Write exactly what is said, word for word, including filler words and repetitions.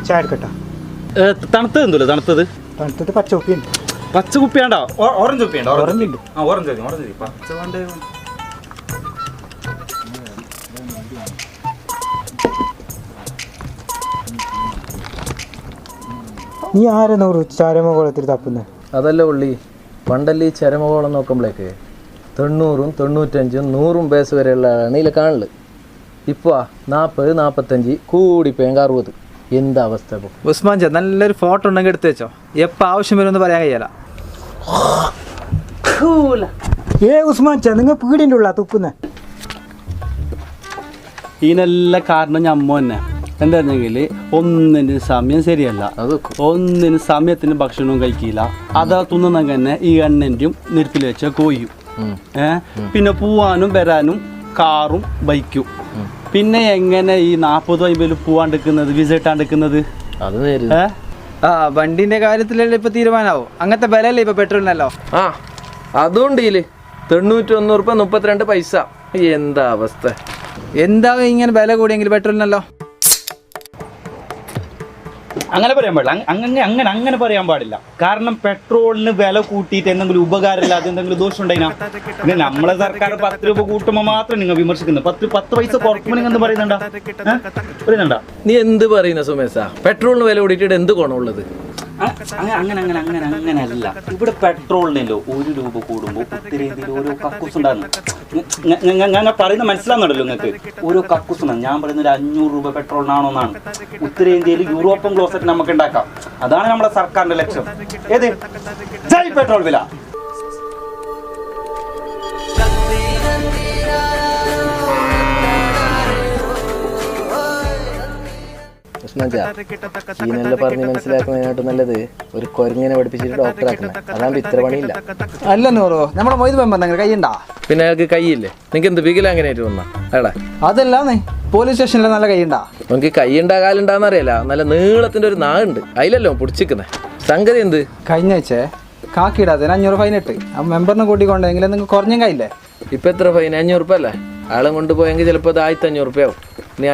ചായ എടുക്കട്ടോ. തണുത്തത് എന്തല്ലോ തണുത്തത്? തണുത്തത് പച്ച കുപ്പിയുണ്ട്. പച്ച കുപ്പിയാണ്ടോ? ഓറഞ്ച് കുപ്പിയുണ്ടോ? ഓറഞ്ച് ഉണ്ട്. ആ ഓറഞ്ച് മതി ഓറഞ്ച് മതി. പച്ച കൊണ്ട് നീ ആരെ നൂറ് ചരമകോളത്തിൽ തപ്പുന്നത്? അതല്ല ഉള്ളി, പണ്ടല്ലേ ഈ ചരമകോളം നോക്കുമ്പോഴേക്ക് തൊണ്ണൂറും തൊണ്ണൂറ്റഞ്ചും നൂറും ബേസ് വരെയുള്ള ഇതിൽ കാണല്. ഇപ്പോൾ നാൽപ്പത് നാൽപ്പത്തഞ്ച് കൂടിപ്പോയെങ്കിൽ അറുപത്. എന്താ അവസ്ഥ ഇപ്പോൾ? ഉസ്മാൻ ചാ, നല്ലൊരു ഫോട്ടോ ഉണ്ടെങ്കിൽ എടുത്ത് വെച്ചോ. എപ്പോൾ ആവശ്യം വരുമെന്ന് പറയാൻ കഴിയല. ഏ ഉസ്മാൻ ചാ, നിങ്ങൾ പീടിൻ്റെ ഉള്ള തുപ്പുന്നത്? ഇതിനെല്ലാം കാരണം ഞമ്മ തന്നെ. എന്തായിരുന്നെങ്കിൽ ഒന്നിന് സമയം ശരിയല്ല, ഒന്നിന് സമയത്തിന് ഭക്ഷണവും കഴിക്കില്ല. അതാ തിന്നുന്നെങ്കിൽ തന്നെ ഈ എണ്ണൻ്റെയും നിരത്തിൽ വെച്ച കോയും. ഏഹ് പിന്നെ പോവാനും വരാനും കാറും ബൈക്കും. പിന്നെ എങ്ങനെ ഈ നാൽപ്പത് അമ്പതിൽ പോവാണ്ടിരിക്കുന്നത്, വിസ ഇട്ടാണ്ടിരിക്കുന്നത്? അത് നേര്. ആ വണ്ടിന്റെ കാര്യത്തിലല്ലേ ഇപ്പൊ തീരുമാനമാവും. അങ്ങനത്തെ വിലയല്ലേ ഇപ്പൊ പെട്രോളിനല്ലോ. ആ അതുകൊണ്ട് ഇതില് തൊണ്ണൂറ്റി ഒന്ന് റുപ്യ മുപ്പത്തിരണ്ട് പൈസ. എന്താ അവസ്ഥ? എന്താ ഇങ്ങനെ വില കൂടിയെങ്കിൽ പെട്രോളിനല്ലോ? അങ്ങനെ പറയാൻ പാടില്ല. അങ്ങനെ അങ്ങനെ അങ്ങനെ പറയാൻ പാടില്ല. കാരണം പെട്രോളിന് വില കൂട്ടിയിട്ട് എന്തെങ്കിലും ഉപകാരമില്ലാതെ എന്തെങ്കിലും ദോഷം ഉണ്ടായിനാ? പിന്നെ നമ്മളെ സർക്കാർ പത്ത് രൂപ കൂട്ടുമ്പോൾ മാത്രം നിങ്ങൾ വിമർശിക്കുന്നത്. പത്ത് പത്ത് പൈസ കുറക്കുമ്പോൾ നിങ്ങൾ എന്ത് പറയുന്നുണ്ടാ പറയുന്നുണ്ടാ നീ എന്ത് പറയുന്ന സുമേഷ? പെട്രോളിന് വില കൂടിയിട്ട് എന്ത് ഗുണമുള്ളത്? അങ്ങനെ അങ്ങനെ അങ്ങനെ അങ്ങനെ അങ്ങനെ അല്ല. ഇവിടെ പെട്രോളിനല്ലോ ഒരു രൂപ കൂടുമ്പോൾ ഉത്തരേന്ത്യയിൽ ഓരോ കക്കൂസ് ഉണ്ടാകുന്നു. ഞാൻ പറയുന്നത് മനസ്സിലാകുന്നുണ്ടല്ലോ നിങ്ങൾക്ക്? ഓരോ കക്കൂസ് ഉണ്ടാകും. ഞാൻ പറയുന്നത് ഒരു അഞ്ഞൂറ് രൂപ പെട്രോളിനാണോ എന്നാണ്. ഉത്തരേന്ത്യയിൽ യൂറോപ്യൻ ക്ലോസറ്റ് നമുക്ക് ഉണ്ടാക്കാം. അതാണ് നമ്മുടെ സർക്കാരിന്റെ ലക്ഷ്യം. ഏത് ജയ് പെട്രോൾ വില. ഈനെല്ലാം പറഞ്ഞ് മനസ്സിലാക്കുന്നതിനായിട്ട് നല്ലത് ഒരു കൊരങ്ങനെ പഠിപ്പിച്ചിട്ട് ഡോക്ടറാക്കുന്നത്. അതാകുമ്പോ ഇത്ര പണിയില്ല. അല്ല നൂറോ, നമ്മളെ മൊയ്ത് മെമ്പർ കൈയുണ്ടാ? പിന്നെ അയാൾക്ക് കൈയില്ലേ? നിങ്ങൾക്ക് എന്ത് ബിഗിൽ അങ്ങനെയായിട്ട് വന്നാ അയാളെ? അതല്ലാന്നേ, പോലീസ് സ്റ്റേഷനിൽ നല്ല കൈയുണ്ടാ? നമുക്ക് കൈയുണ്ടാ കാലുണ്ടാന്ന് അറിയില്ല. നല്ല നീളത്തിന്റെ ഒരു നാളുണ്ട്, അതിലല്ലോ പൊടിച്ചിരിക്കുന്നത്. സംഗതി എന്ത്? കഴിഞ്ഞ വെച്ചേ കാക്കിയിടാതെ അഞ്ഞൂറ് ഫൈനിട്ട് ആ മെമ്പറിനെ കൂട്ടിക്കൊണ്ടെങ്കിൽ നിങ്ങൾക്ക് കുറഞ്ഞ കൈയില്ലേ? ഇപ്പൊ എത്ര ഫൈൻ? അഞ്ഞൂറ് റുപ്യ അല്ലേ? ആളെ കൊണ്ടുപോയെങ്കിൽ ചിലപ്പോൾ അത് ആയിരത്തി അഞ്ഞൂറ് റുപ്യ ആവും.